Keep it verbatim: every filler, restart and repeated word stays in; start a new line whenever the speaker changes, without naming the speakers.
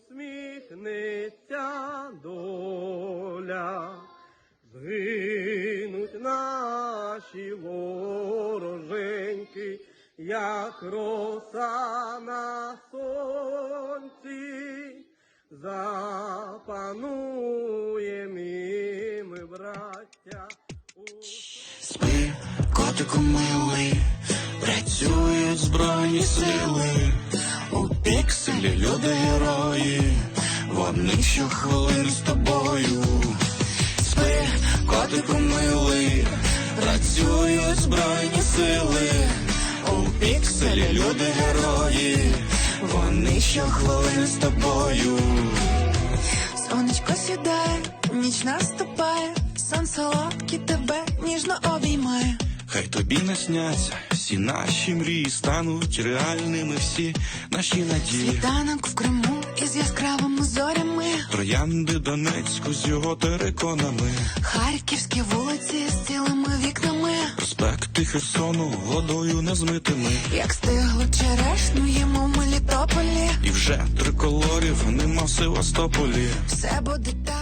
усміхнеться доля, згинуть наші вороженьки, як роса на сонці, запануєм і ми, браття.
Спи, котику милий, працюють збройні сили, у пікселі люди-герої, вони щохвилини з тобою. Спи, котику милий, працюють збройні сили, у пікселі люди-герої, вони щохвилини з тобою.
Сонечко сідає, ніч наступає, сон солодкий тебе ніжно обіймає.
Хай тобі насняться всі наші мрії, стануть реальними всі наші надії.
Світанок в Криму із яскравими зорями,
Троянди Донецьку з його териконами,
харківські вулиці з цілими вікнами,
проспекти Херсону водою незмитими.
як стиглу черешню їмо в Мелітополі.
І вже триколорів нема в Севастополі.
Все буде так.